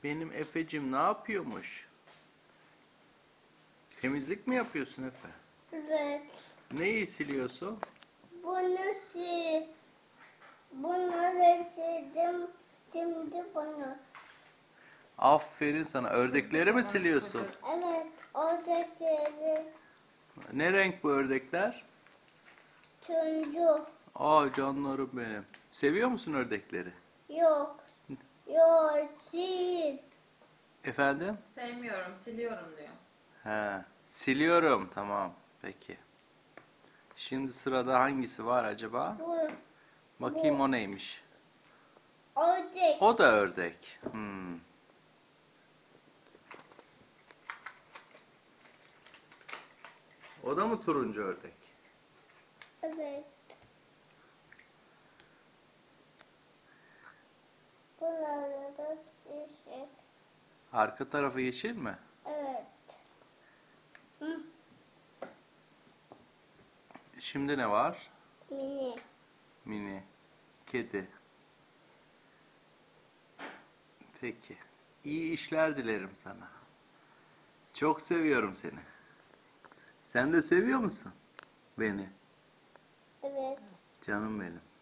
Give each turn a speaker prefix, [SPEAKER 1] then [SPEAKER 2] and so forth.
[SPEAKER 1] Benim Efe'cim ne yapıyormuş? Temizlik mi yapıyorsun Efe?
[SPEAKER 2] Evet.
[SPEAKER 1] Neyi siliyorsun?
[SPEAKER 2] Bunu sil. Bunları sildim. Şimdi bunu.
[SPEAKER 1] Aferin sana. Ördekleri mi siliyorsun?
[SPEAKER 2] Evet. Oradakileri
[SPEAKER 1] Ne renk bu ördekler?
[SPEAKER 2] turuncu.
[SPEAKER 1] Aa canlarım benim. Seviyor musun ördekleri?
[SPEAKER 2] Yok. Yok. Sil.
[SPEAKER 1] Efendim?
[SPEAKER 3] Sevmiyorum, siliyorum diyor.
[SPEAKER 1] He. Siliyorum. Tamam. Peki. Şimdi sırada hangisi var acaba?
[SPEAKER 2] Bu.
[SPEAKER 1] Bakayım o neymiş?
[SPEAKER 2] Ördek.
[SPEAKER 1] O da ördek. O da mı turuncu ördek?
[SPEAKER 2] Evet. Bunları da yeşil.
[SPEAKER 1] Arka tarafı yeşil mi?
[SPEAKER 2] Evet. Hı.
[SPEAKER 1] Şimdi ne var?
[SPEAKER 2] Mini.
[SPEAKER 1] Mini. Kedi. Peki. İyi işler dilerim sana. Çok seviyorum seni. Sen de seviyor musun beni?
[SPEAKER 2] Evet.
[SPEAKER 1] Canım benim.